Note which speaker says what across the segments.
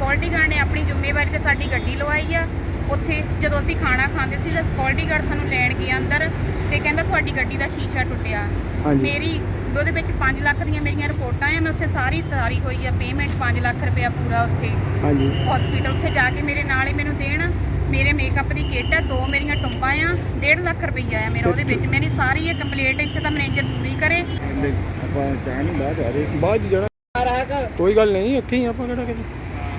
Speaker 1: Security guard ਨੇ ਆਪਣੀ ਜ਼ਿੰਮੇਵਾਰੀ ਤੇ ਸਾਡੀ ਗੱਡੀ ਲਵਾਈ ਆ। ਉੱਥੇ ਜਦੋਂ ਅਸੀਂ ਖਾਣਾ ਖਾਂਦੇ ਸੀ ਤਾਂ ਸਿਕਿਉਰਿਟੀ ਗਾਰਡ ਸਾਨੂੰ ਲੈਣ ਗਿਆ ਅੰਦਰ ਤੇ ਕਹਿੰਦਾ ਤੁਹਾਡੀ ਗੱਡੀ ਦਾ ਸ਼ੀਸ਼ਾ ਟੁੱਟਿਆ। ਮੇਰੀ ਉਹਦੇ ਵਿੱਚ 5 ਲੱਖ ਦੀਆਂ ਮੇਰੀਆਂ ਰਿਪੋਰਟਾਂ ਆ। ਮੈਂ ਉੱਥੇ ਸਾਰੀ ਤਾਰੀ ਹੋਈ ਆ ਪੇਮੈਂਟ 5 ਲੱਖ ਰੁਪਇਆ ਪੂਰਾ ਉੱਥੇ ਹਸਪੀਟਲ ਉੱਥੇ ਜਾ ਕੇ ਮੇਰੇ ਨਾਲ ਹੀ ਮੈਨੂੰ ਦੇਣ। ਮੇਰੇ ਮੇਕਅਪ ਦੀ ਕਿੱਟ ਆ, 2 ਮੇਰੀਆਂ ਟੁੰਬਾਂ ਆ, 1.5 ਲੱਖ ਰੁਪਈਆ ਆ ਮੇਰਾ ਉਹਦੇ ਵਿੱਚ। ਮੇਰੀ ਸਾਰੀ ਇਹ ਕੰਪਲੀਟ ਇੱਥੇ ਤਾਂ ਮੈਨੇਜਰ ਪੂਰੀ ਕਰੇ।
Speaker 2: ਆਪਾਂ ਚਾਹ ਨਹੀਂ ਬਾਅਦ ਆ ਰਹੇ
Speaker 3: ਬਾਅਦ ਜਾਣਾ ਕੋਈ ਗੱਲ ਨਹੀਂ, ਇੱਥੇ ਹੀ ਆਪਾਂ ਕਿਹੜਾ ਕਿਤੇ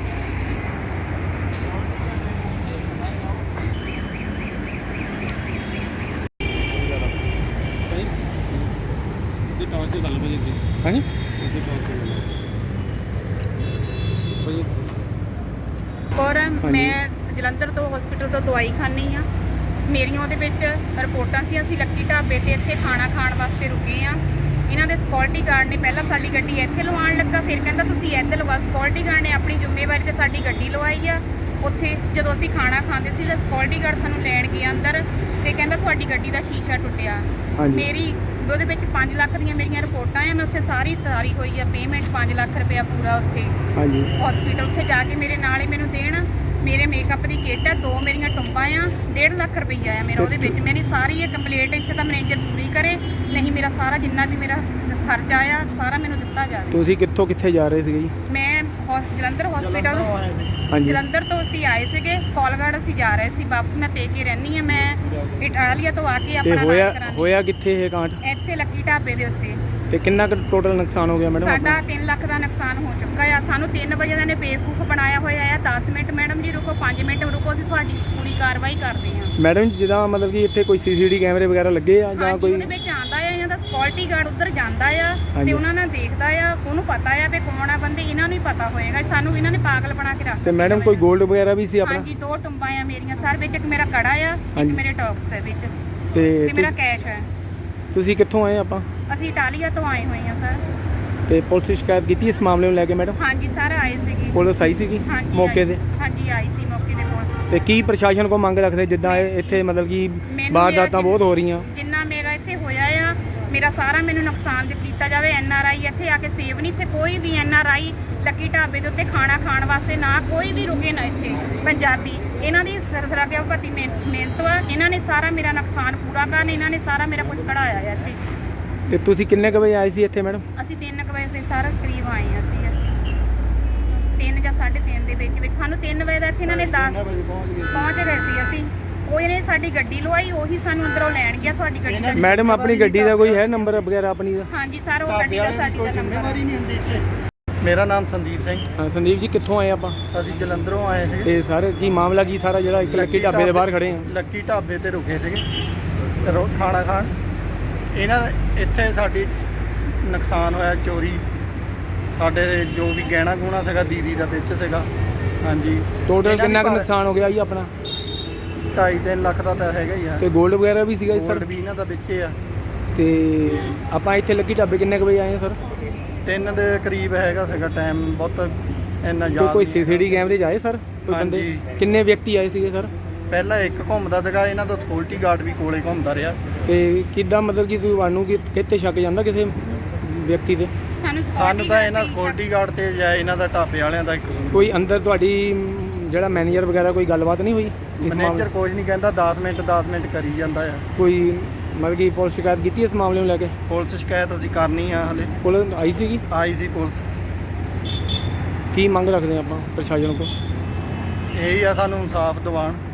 Speaker 3: ਹਾਂਜੀ
Speaker 1: ਔਰ ਮੈਂ ਜਲੰਧਰ ਤੋਂ ਹਸਪੀਟਲ ਤੋਂ ਦਵਾਈ ਖਾਣੀ ਆ। ਮੇਰੀਆਂ ਉਹਦੇ ਵਿੱਚ ਰਿਪੋਰਟਾਂ ਸੀ। ਅਸੀਂ ਲੱਕੀ ਢਾਬੇ ਤੇ ਇੱਥੇ ਖਾਣਾ ਖਾਣ ਵਾਸਤੇ ਰੁਕੇ ਆ। ਇਹਨਾਂ ਦੇ ਸਿਕਿਉਰਿਟੀ ਗਾਰਡ ਨੇ ਪਹਿਲਾਂ ਸਾਡੀ ਗੱਡੀ ਇੱਥੇ ਲਵਾਉਣ ਲੱਗਾ, ਫਿਰ ਕਹਿੰਦਾ ਤੁਸੀਂ ਇੱਧਰ ਲਵਾ। ਸਿਕਿਉਰਿਟੀ ਗਾਰਡ ਨੇ ਆਪਣੀ ਜ਼ਿੰਮੇਵਾਰੀ ਤੇ ਸਾਡੀ ਗੱਡੀ ਲਵਾਈ ਆ। ਉੱਥੇ ਜਦੋਂ ਅਸੀਂ ਖਾਣਾ ਖਾਂਦੇ ਸੀ ਤਾਂ ਸਿਕਿਉਰਿਟੀ ਗਾਰਡ ਸਾਨੂੰ ਲੈਣ ਗਿਆ ਅੰਦਰ ਤੇ ਕਹਿੰਦਾ ਤੁਹਾਡੀ ਗੱਡੀ ਦਾ ਸ਼ੀਸ਼ਾ ਟੁੱਟਿਆ। ਮੇਰੀ ਉਹਦੇ ਵਿੱਚ 5 ਲੱਖ ਦੀਆਂ ਮੇਰੀਆਂ ਰਿਪੋਰਟਾਂ ਆ। ਮੈਂ ਉੱਥੇ ਸਾਰੀ ਤਾਰੀ ਹੋਈ ਆ ਪੇਮੈਂਟ 5 ਲੱਖ ਰੁਪਇਆ ਪੂਰਾ ਉੱਥੇ ਹਸਪੀਟਲ ਉੱਥੇ ਜਾ ਕੇ ਮੇਰੇ ਨਾਲ ਹੀ ਮੈਨੂੰ ਦੇਣ। ਮੇਰੇ ਮੇਕਅਪ ਦੀ ਕਿੱਟ ਆ, 2 ਮੇਰੀਆਂ ਟੁੰਬਾਂ ਆ, 1.5 ਲੱਖ ਰੁਪਈਆ ਆ ਮੇਰਾ ਉਹਦੇ ਵਿੱਚ। ਮੇਰੀ ਸਾਰੀ ਇਹ ਕੰਪਲੀਟ ਇੱਥੇ ਤਾਂ ਮੈਨੇਜਰ ਪੂਰੀ ਕਰੇ, ਨਹੀਂ ਮੇਰਾ ਸਾਰਾ ਜਿੰਨਾ ਵੀ ਮੇਰਾ ਖਰਚਾ ਆ ਸਾਰਾ ਮੈਨੂੰ ਦਿੱਤਾ ਜਾਵੇ।
Speaker 3: ਤੁਸੀਂ ਕਿੱਥੋਂ ਕਿੱਥੇ ਜਾ ਰਹੇ ਸੀਗੇ ਜੀ?
Speaker 1: ਮੈਂ ਜਲੰਧਰ ਹਸਪੀਟਲ ਜਲੰਧਰ ਤੋਂ ਅਸੀਂ ਆਏ ਸੀਗੇ, ਕੋਲਗੜ ਅਸੀਂ ਜਾ ਰਹੇ ਸੀ ਵਾਪਸ। ਮੈਂ ਪੇਕੇ ਰਹਿੰਦੀ ਆ। ਮੈਂ ਇਟਾਲੀਆ ਤੋਂ ਆ ਕੇ ਆਪਣਾ
Speaker 3: ਹੋਇਆ ਕਿੱਥੇ ਇਹ ਕਾਂਡ?
Speaker 1: ਇੱਥੇ ਲੱਕੀ ਢਾਬੇ ਦੇ ਉੱਤੇ।
Speaker 3: ਤੇ ਕਿੰਨਾ ਕੁ ਟੋਟਲ ਨੁਕਸਾਨ ਹੋ ਗਿਆ ਮੈਡਮ?
Speaker 1: ਸਾਡਾ 3 ਲੱਖ ਦਾ ਨੁਕਸਾਨ ਹੋ ਚੁੱਕਾ ਆ। ਸਾਨੂੰ 3 ਵਜੇ ਦਾ ਨੇ ਬੇਵਕੂਫ ਬਣਾਇਆ ਹੋਇਆ ਆ। 10 ਮਿੰਟ ਮੈਡਮ ਜੀ ਰੁਕੋ, 5 ਮਿੰਟ ਰੁਕੋ, ਅਸੀਂ ਤੁਹਾਡੀ ਪੂਰੀ ਕਾਰਵਾਈ ਕਰਦੇ ਹਾਂ।
Speaker 3: ਮੈਡਮ ਜੀ ਜਿੱਦਾਂ ਮਤਲਬ ਕਿ ਇੱਥੇ ਕੋਈ ਸੀਸੀਟੀਵੀ ਕੈਮਰੇ ਵਗੈਰਾ ਲੱਗੇ ਆ ਜਾਂ ਕੋਈ?
Speaker 1: ਉਹਦੇ ਵਿੱਚ ਆਉਂਦਾ ਆ, ਇਹਨਾਂ ਦਾ ਸਿਕਿਉਰਿਟੀ ਗਾਰਡ ਉੱਧਰ ਜਾਂਦਾ ਆ ਤੇ ਉਹਨਾਂ ਨਾਲ ਦੇਖਦਾ ਆ। ਉਹਨੂੰ ਪਤਾ ਆ ਵੀ ਕੌਣ ਆ ਬੰਦੇ, ਇਹਨਾਂ ਨੂੰ ਹੀ ਪਤਾ ਹੋਏਗਾ। ਸਾਨੂੰ ਇਹਨਾਂ ਨੇ ਪਾਗਲ ਬਣਾ ਕੇ ਰੱਖ।
Speaker 3: ਤੇ ਮੈਡਮ ਕੋਈ 골ਡ ਵਗੈਰਾ ਵੀ ਸੀ ਆਪਣਾ?
Speaker 1: ਹਾਂਜੀ 2 ਟੁੰਬਾਂ ਆ ਮੇਰੀਆਂ ਸਰ ਵਿੱਚ। ਇੱਕ ਮੇਰਾ ਕੜਾ ਆ, ਇੱਕ ਮੇਰੇ ਟੌਕਸ ਹੈ ਵਿੱਚ
Speaker 3: ਤੇ
Speaker 1: ਮੇਰਾ ਕੈਸ਼ ਹੈ।
Speaker 3: ਤੁਸੀਂ ਕਿੱਥੋਂ ਆਏ? ਆਪਾਂ
Speaker 1: ਅਸੀਂ ਇਟਾਲੀਆ ਤੋਂ ਆਏ ਹੋਏ ਹਾਂ ਸਰ।
Speaker 3: ਤੇ ਪੁਲਿਸ ਸ਼ਿਕਾਇਤ ਕੀਤੀ ਇਸ ਮਾਮਲੇ ਨੂੰ ਲੈ ਕੇ ਮੈਡਮ?
Speaker 1: ਹਾਂਜੀ ਸਰ ਆਏ ਸੀਗੇ।
Speaker 3: ਪੁਲਿਸ ਆਈ ਸੀਗੀ ਮੌਕੇ ਤੇ?
Speaker 1: ਹਾਂਜੀ ਆਈ ਸੀ ਮੌਕੇ ਤੇ ਪੁਲਿਸ।
Speaker 3: ਤੇ ਕੀ ਪ੍ਰਸ਼ਾਸਨ ਕੋ ਮੰਗ ਰੱਖਦੇ ਜਿੱਦਾਂ ਇੱਥੇ ਮਤਲਬ ਕਿ ਵਾਰਦਾਤਾਂ ਬਹੁਤ ਹੋ ਰਹੀਆਂ?
Speaker 1: ਜਿੰਨਾ ਮੇਰਾ ਇੱਥੇ ਹੋਇਆ ਆ, ਮੇਰਾ ਸਾਰਾ ਮੈਨੂੰ ਨੁਕਸਾਨ ਕੀਤਾ ਜਾਵੇ। NRI ਇੱਥੇ ਆ ਕੇ ਸੇਵ ਨਹੀਂ। ਇੱਥੇ ਕੋਈ ਵੀ NRI ਲੱਕੀ ਢਾਬੇ ਦੇ ਉੱਤੇ ਖਾਣਾ ਖਾਣ ਵਾਸਤੇ ਨਾ ਕੋਈ ਵੀ ਰੁਕੇ ਨਾ। ਇੱਥੇ ਪੰਜਾਬੀ ਇਹਨਾਂ ਦੀ ਸਰਸਰਾਗਿਆ ਭਤੀ ਮਿਹਨਤ ਵਾ। ਇਹਨਾਂ ਨੇ ਸਾਰਾ ਮੇਰਾ ਨੁਕਸਾਨ ਪੂਰਾ ਕਰਨ, ਇਹਨਾਂ ਨੇ ਸਾਰਾ ਮੇਰਾ ਕੁਝ ਕਢਾਇਆ ਆ ਇੱਥੇ।
Speaker 3: ਤੇ ਤੁਸੀਂ ਕਿੰਨੇ ਕੁ ਵਜੇ ਆਏ ਸੀ ਇੱਥੇ ਮੈਡਮ?
Speaker 1: ਅਸੀਂ 3 ਵਜੇ ਦੇ ਸਾਰਾ ਕਰੀਬ ਆਏ ਹਾਂ ਅਸੀਂ। 3 ਜਾਂ 3:30 ਦੇ ਵਿੱਚ ਸਾਨੂੰ 3 ਵਜੇ ਦਾ ਇੱਥੇ ਇਹਨਾਂ ਨੇ ਪਹੁੰਚ ਗਏ ਸੀ ਅਸੀਂ। ਉਹ ਇਹਨੇ ਸਾਡੀ ਗੱਡੀ ਲਵਾਈ, ਉਹੀ ਸਾਨੂੰ ਅੰਦਰੋਂ ਲੈਣ ਗਿਆ। ਤੁਹਾਡੀ ਗੱਡੀ ਦਾ
Speaker 3: ਮੈਡਮ ਆਪਣੀ ਗੱਡੀ ਦਾ ਕੋਈ ਹੈ ਨੰਬਰ ਵਗੈਰਾ ਆਪਣੀ ਦਾ?
Speaker 1: ਹਾਂਜੀ ਸਰ ਉਹ ਗੱਡੀ ਦਾ ਸਾਡੀ ਦਾ ਨੰਬਰ।
Speaker 2: ਮੇਰਾ ਨਾਮ ਸੰਦੀਪ ਸਿੰਘ।
Speaker 3: ਹਾਂ ਸੰਦੀਪ ਜੀ ਕਿੱਥੋਂ ਆਏ ਆਪਾਂ?
Speaker 2: ਅਸੀਂ ਜਲੰਧਰੋਂ ਆਏ ਸੀ।
Speaker 3: ਤੇ ਸਰ ਕੀ ਮਾਮਲਾ ਕੀ ਸਾਰਾ ਜਿਹੜਾ ਇੱਕ ਲੱਕੀ ਢਾਬੇ ਦੇ ਬਾਹਰ ਖੜੇ ਆ?
Speaker 2: ਲੱਕੀ ਢਾਬੇ ਤੇ ਰੁਕੇ ਸੀਗੇ ਖਾਣਾ ਖਾਣ। ਇਹਨਾਂ ਇੱਥੇ ਸਾਡੀ ਨੁਕਸਾਨ ਹੋਇਆ, ਚੋਰੀ। ਸਾਡੇ ਜੋ ਵੀ ਗਹਿਣਾ ਗੁਣਾ ਸੀਗਾ ਦੀਦੀ ਦਾ ਵਿੱਚ ਸੀਗਾ। ਹਾਂਜੀ
Speaker 3: ਟੋਟਲ ਕਿੰਨਾ ਕੁ ਨੁਕਸਾਨ ਹੋ ਗਿਆ ਜੀ ਆਪਣਾ?
Speaker 2: 2.5-3 ਲੱਖ ਦਾ ਤਾਂ ਹੈਗਾ ਹੀ ਆ।
Speaker 3: ਤੇ 골ਡ ਵਗੈਰਾ ਵੀ ਸੀਗਾ ਜੀ ਸਰ?
Speaker 2: 골ਡ ਵੀ ਇਹਨਾਂ ਦਾ ਵਿੱਚ ਆ।
Speaker 3: ਤੇ ਆਪਾਂ ਇੱਥੇ ਲੱਕੀ ਢਾਬੇ ਕਿੰਨੇ ਕੁ ਵਜੇ ਆਏ ਆ ਸਰ?
Speaker 2: 3 ਦੇ ਕਰੀਬ ਹੈਗਾ ਸੀਗਾ ਟਾਈਮ। ਬਹੁਤ ਇੰਨਾ ਜ਼ਿਆਦਾ
Speaker 3: ਕੋਈ ਸੀਸੀਟੀਵੀ ਕੈਮਰੇ 'ਚ ਆਏ ਸਰ ਕੋਈ ਬੰਦੇ? ਕਿੰਨੇ ਵਿਅਕਤੀ ਆਏ ਸੀਗੇ ਸਰ?
Speaker 2: ਪਹਿਲਾਂ ਇੱਕ ਘੁੰਮਦਾ ਸੀਗਾ, ਇਹਨਾਂ ਦਾ ਸਿਕਿਉਰਿਟੀ ਗਾਰਡ ਵੀ ਕੋਲੇ ਘੁੰਮਦਾ ਰਿਹਾ।
Speaker 3: ਤੇ ਕਿੱਦਾਂ ਮਤਲਬ ਕਿ ਤੁਹਾਨੂੰ ਕਿਤੇ ਸ਼ੱਕ ਜਾਂਦਾ ਕਿਸੇ ਵਿਅਕਤੀ ਤੇ?
Speaker 2: ਸਾਨੂੰ ਤਾਂ ਇਹਨਾਂ ਸਿਕਿਉਰਿਟੀ ਗਾਰਡ ਤੇ ਜਾਂ ਇਹਨਾਂ ਦਾ ਢਾਬੇ ਵਾਲਿਆਂ ਦਾ ਇੱਕ
Speaker 3: ਕੋਈ ਅੰਦਰ ਤੁਹਾਡੀ ਜਿਹੜਾ ਮੈਨੇਜਰ ਵਗੈਰਾ ਕੋਈ ਗੱਲਬਾਤ ਨਹੀਂ ਹੋਈ?
Speaker 2: ਮੈਨੇਜਰ ਕੁਝ ਨਹੀਂ ਕਹਿੰਦਾ, 10 ਮਿੰਟ ਕਰੀ ਜਾਂਦਾ ਆ।
Speaker 3: ਕੋਈ ਮਤਲਬ ਕਿ ਪੁਲਿਸ ਸ਼ਿਕਾਇਤ ਕੀਤੀ ਇਸ ਮਾਮਲੇ ਨੂੰ ਲੈ ਕੇ?
Speaker 2: ਪੁਲਿਸ ਸ਼ਿਕਾਇਤ ਅਸੀਂ ਕਰਨੀ ਆ ਹਲੇ।
Speaker 3: ਪੁਲਿਸ ਆਈ ਸੀਗੀ?
Speaker 2: ਆਈ ਸੀ ਪੁਲਿਸ।
Speaker 3: ਕੀ ਮੰਗ ਰੱਖਦੇ ਆਪਾਂ ਪ੍ਰਸ਼ਾਸਨ ਕੋਲ?
Speaker 2: ਇਹੀ ਆ ਸਾਨੂੰ ਇਨਸਾਫ ਦਿਵਾਉਣ।